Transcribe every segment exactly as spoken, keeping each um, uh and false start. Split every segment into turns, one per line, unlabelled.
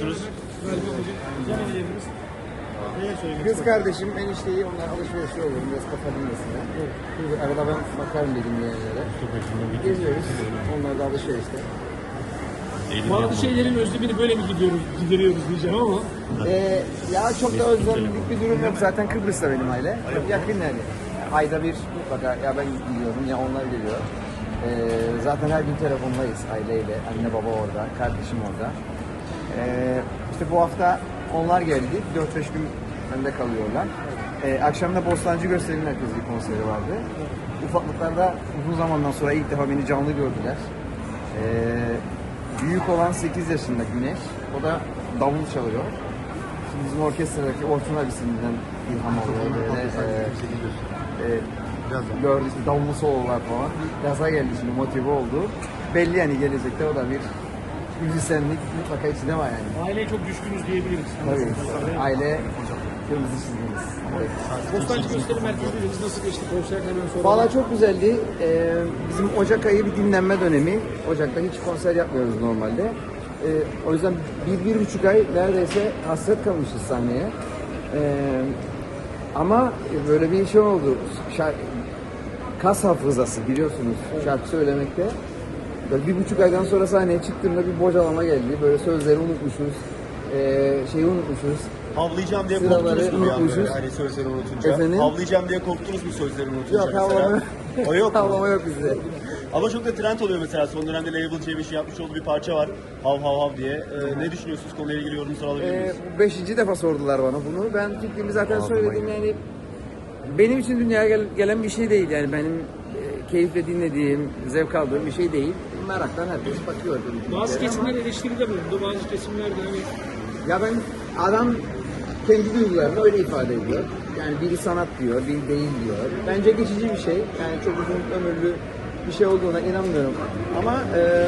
gidiyorsunuz?
Kız kardeşim, enişteyi, onlar alışverişe olur, biraz kafa dinlesinler. Evet. Arada ben bakarım dedim yerlere. Geziyoruz, onlar da alışverişte.
Bazı şeylerin özlemini böyle mi gidiyoruz, gideriyoruz diyeceğim ama.
Ee, ya çok da özlemlik bir durum yok, zaten Kıbrıs'ta benim aile. Çok yakın yani. Ayda bir mutlaka ya ben gidiyorum ya onlar geliyor. Ee, zaten her gün telefondayız aileyle, anne baba orada, kardeşim orada. Ee, işte bu hafta onlar geldi, dört beş gün bende kalıyorlar. Ee, akşam da Bostancı Gösteri'nin herkese bir konseri vardı. Ufaklıklarda uzun zamandan sonra ilk defa beni canlı gördüler. Ee, büyük olan sekiz yaşında Güneş, o da davul çalıyor. Şimdi bizim orkestradaki Orçun abisinden ilham alıyor böyle. E, e, gördü işte davullu sololar falan. Gaza geldi şimdi, motive oldu. Belli yani gelecekte o da bir müzisyenlik mutlaka içinde var yani.
Aileye çok düşkünüz diyebiliriz.
Tabii. Aile kırmızı çizgimiz. Evet.
Bostancı Gösteri Merkezi'ndeyiz. Nasıl geçti konserden sonra?
Valla çok güzeldi. Ee, bizim Ocak ayı bir dinlenme dönemi. Ocak'ta hiç konser yapmıyoruz normalde. Ee, o yüzden bir, bir buçuk ay neredeyse hasret kalmışız sahneye. Ee, ama böyle bir şey oldu. Şarkı, kas hafızası biliyorsunuz şarkı söylemekte. Böyle bir buçuk aydan sonra sahneye çıktığımda bir bocalama geldi. Böyle sözleri unutmuşuz. Ee, şeyi unutmuşuz.
Havlayacağım diye
Sıraları
korktunuz mu bir an
unutmuşuz.
böyle hani sözleri unutunca?
Efendim?
Havlayacağım diye korktunuz mu sözleri unutunca
Yok,
mesela?
havlama,
O yok mu?
havlama yok bizde.
Ama çok da trend oluyor mesela, son dönemde Label C beşin yapmış olduğu bir parça var. Hav hav hav diye. Ee, ne düşünüyorsunuz, konuyla ilgili yorumunuzu alabilir
Ee,
miyiz?
bu beşinci defa sordular bana bunu. Ben fikrimi zaten söyledim yani. Benim için dünyaya gel- gelen bir şey değil yani, benim e, keyifle dinlediğim, zevk aldığım bir şey değil. Meraktan herkes bakıyor.
Bazı kesimler eleştiride bulundu. Bazı kesimler de hani
Ya ben, adam kendi duygularını öyle ifade ediyor. Yani biri sanat diyor, biri değil diyor. Bence geçici bir şey. Yani çok uzun ömürlü bir şey olduğuna inanmıyorum. Ama e,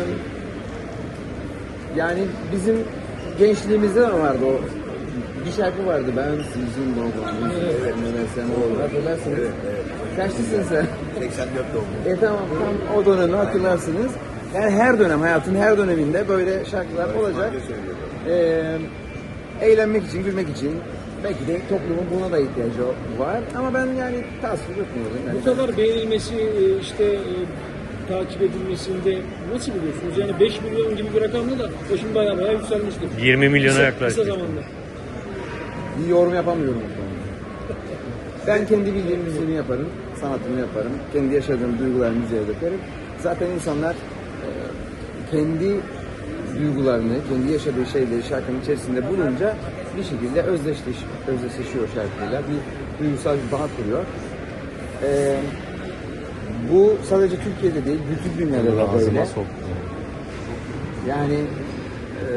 yani bizim gençliğimizde de vardı o. Bir şarkı vardı, ben sizin doğduğunuz, evet, sen doğru. Hatırlarsınız. Evet, evet. Kaçlısın sen?
seksen dört doğumlu.
E tamam, tam o dönemi hatırlarsınız. Yani her dönem, hayatın her döneminde böyle şarkılar olacak. Ee, eğlenmek için, gülmek için, belki de toplumun buna da ihtiyacı var. Ama ben yani tasvip etmiyorum. Yani
bu kadar beğenilmesi, işte e, takip edilmesinde nasıl buluyorsunuz? Yani beş milyon gibi bir rakamla da o şimdi bayağı bayağı yükselmiştir.
yirmi milyona
Kısa-
yaklaştı.
Kısa zamanda.
bir yorum yapamıyorum bu konuda. Ben kendi bildiğim müziğimi yaparım, sanatımı yaparım. Kendi yaşadığım duyguları müziğe dökerim. Zaten insanlar e, kendi duygularını, kendi yaşadığı şeyleri şarkının içerisinde bulunca bir şekilde özdeşleş, özdeşleşiyor şarkıyla. Bir duygusal bir bağ kuruyor. E, bu sadece Türkiye'de değil, bütün dünyada da böyle. Yani e,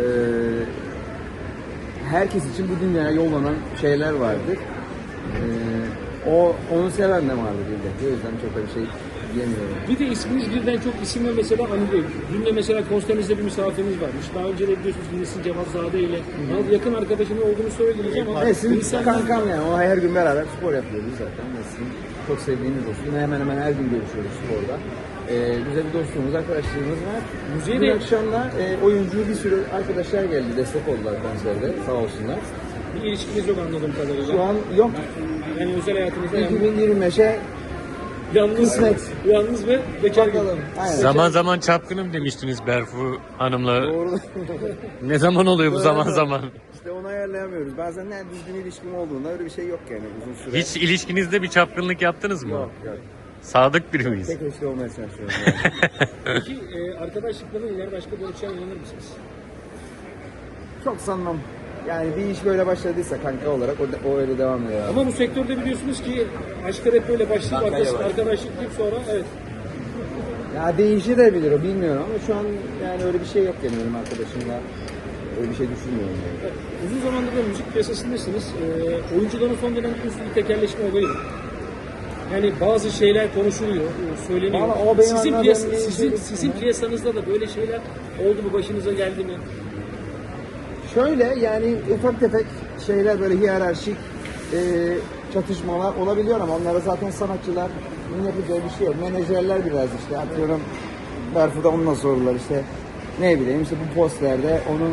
herkes için bu dünyaya yollanan şeyler vardır. Ee, o onu seven de vardır elbette. O yüzden çok da bir şey diyemiyorum.
Bir de isminiz birden çok isimle mesela anılıyor. Dün de mesela konserimizde bir misafiriniz varmış. Daha önce de biliyorsunuz Nesin Cevatzade ile yakın arkadaşının olduğunu söylediniz ama
Nesin
insanlar-
kankam yani. O her gün beraber spor yapıyoruz zaten. Nesin çok sevdiğimiz dostum. Hemen hemen her gün görüşüyoruz sporda. Ee, güzel bir dostluğumuz, arkadaşlığımız var.
Müziğe
Dün
de-
akşam da e, oyuncu bir sürü arkadaşlar geldi. Destek oldular konserde. Sağ olsunlar.
bir ilişkiniz yok anladığım kadarıyla.
Şu an yok.
Yani özel hayatınızda yalnız,
iki bin yirmi beşe
yalnız,
kısmet.
yalnız ve bekar gibi.
bakalım. Aynen.
Zaman zaman çapkınım demiştiniz Berfu Hanım'la.
Doğru.
Ne zaman oluyor bu zaman zaman?
İşte onu ayarlayamıyoruz. Bazen ne düzgün ilişkim olduğunda öyle bir şey yok yani uzun süre.
Hiç ilişkinizde bir çapkınlık yaptınız mı?
Yok yok.
Sadık biri miyiz?
Tek eşli olmaya çalışıyorum. Yani.
Peki e, arkadaşlıkların iler başka dönüşen inanır mısınız?
Çok sanmam. Yani bir iş böyle başladıysa kanka olarak o, o öyle devam ediyor.
Ama bu sektörde biliyorsunuz ki aşklar hep böyle başlayıp arkadaş, arkadaşlık deyip sonra evet.
Ya değişebilir o, bilmiyorum ama şu an yani öyle bir şey yok yani benim arkadaşımla. Öyle bir şey düşünmüyorum yani.
Uzun zamandır da müzik piyasasındasınız. E, oyuncuların son dönemde bir tekerleşme olayı var. Yani bazı şeyler konuşuluyor, e, söyleniyor.
Vallahi o benim
Sizin,
anladığım
piyas-
bir
sizin,
şey-
sizin piyasanızda da böyle şeyler oldu mu, başınıza geldi mi?
Şöyle yani ufak tefek şeyler, böyle hiyerarşik e, çatışmalar olabiliyor ama onlara zaten sanatçılar yapacağı bir şey yok. Menajerler biraz işte atıyorum Berfu'da onunla sordular işte ne bileyim işte bu postlerde onun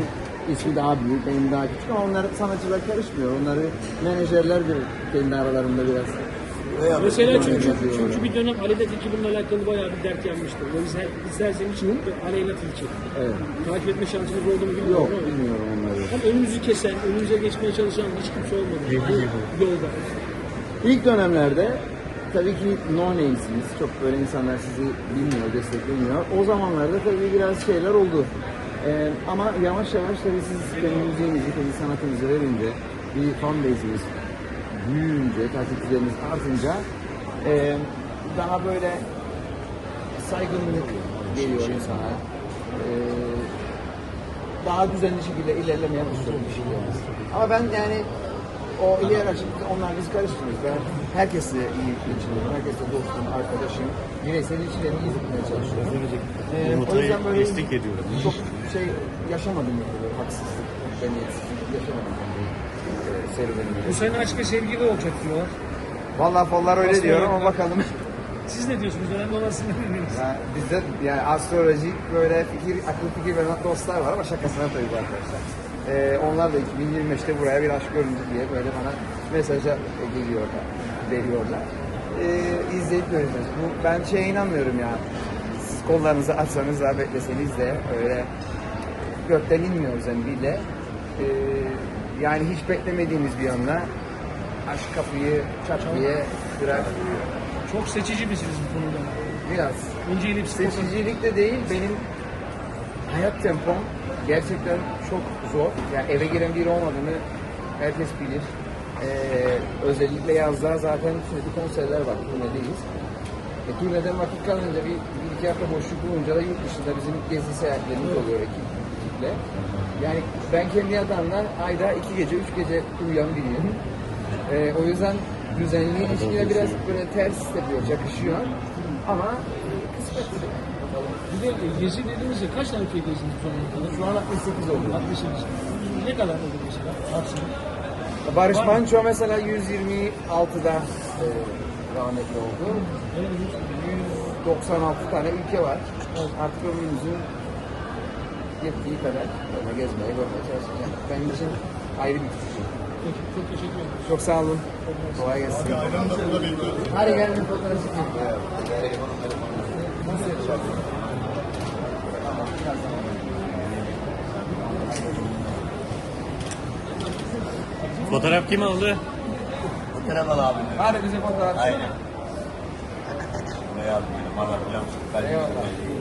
ismi daha büyük, benim daha küçük ama onlar sanatçılar karışmıyor. Onları menajerler bir kendi aralarında biraz.
Mesela çünkü,
Yapıyor.
çünkü bir dönem Aleyna Tilki bununla alakalı bayağı bir dert yanmıştı. O yüzden isterseniz çıkıp Aleyna Tilki.
Evet.
Takip etme şansınız oldu mu bilmiyorum
Yok,
ama.
bilmiyorum onları.
Ama önünüzü kesen, önünüze geçmeye çalışan hiç kimse olmadı. Bu yolda.
İlk dönemlerde tabii ki no names'iniz. Çok böyle insanlar sizi bilmiyor, desteklemiyor. O zamanlarda tabii biraz şeyler oldu. Ee, ama yavaş yavaş tabii siz kendi müziğinizi, kendi sanatınızı verince, bir fan base'iniz büyüyünce, takipçileriniz artınca e, daha böyle saygınlık geliyor insana. Ee, daha düzenli şekilde ilerlemeye başlıyoruz. Ama ben yani o hiyerarşik, onlar bizi karıştırıyoruz. Ben herkesle iyi geçiniyorum, herkesle dostum, arkadaşım, bireysel ilişkilerimi iyi tutmaya çalışıyorum. Ee, o
Umut'u
yüzden böyle
eşlik ediyorum.
çok şey yaşamadım, böyle haksızlık, memnuniyetsizlik yaşamadım ben bu e, serüvenimde.
Bu sene aşk ve sevgili olacak diyorlar.
Vallahi fonlar öyle
Aslında
diyor ama
yok.
bakalım.
Siz ne diyorsunuz? Önemli olan sizin ne diyorsunuz?
Ya bizde yani astrolojik böyle fikir, akıl fikir veren dostlar var ama şakasına tabii bu arkadaşlar. Ee, onlar da iki bin yirmi beşte buraya bir aşk göründü diye böyle bana mesaja geliyorlar, veriyorlar. Ee, izleyip göreceğiz. Bu, ben şeye inanmıyorum ya. Siz kollarınızı açsanız da bekleseniz de öyle gökten inmiyor zembiyle. Ee, yani hiç beklemediğimiz bir anda aşk kapıyı çat diye kırar.
Çok seçici misiniz bu konuda?
Biraz.
Önce elip
Seçicilik de değil, benim hayat tempom gerçekten çok zor. Yani eve giren biri olmadığını herkes bilir. Ee, özellikle yazda zaten sürekli konserler var, turnedeyiz. E, turneden vakit kalınca bir, bir iki hafta boşluk bulunca da yurt dışında bizim gezi seyahatlerimiz oluyor ekip, ekiple. Yani ben kendi yatağımdan ayda iki gece, üç gece uyuyan biriyim. Ee, o yüzden düzenli ilişkiler biraz böyle ters yapıyor, yakışıyor. Ama kısmet.
Bir de gezi dediğinizde kaç tane ülke gezdiniz bu zamana kadar?
Şu an altmış sekiz oldu.
altmış sekiz. Ne kadar oldu mesela? Maksimum.
Barış Manço mesela yüz yirmi altıda e, rahmetli oldu. yüz doksan altı tane ülke var. Artık ömrümüzün yettiği kadar böyle gezmeye, görmeye çalışacağım. Benim için ayrı bir tutku.
Peki, çok teşekkür ederim.
Çok sağ olun. Kolay gelsin. Hadi gelin bir fotoğraf çekelim. Nasıl yapacağız?
Fotoğraf kim aldı?
Merhaba abi.
Hadi bize fotoğraf.
Aynen. Ne yapayım? Bana falan.
Eyvallah.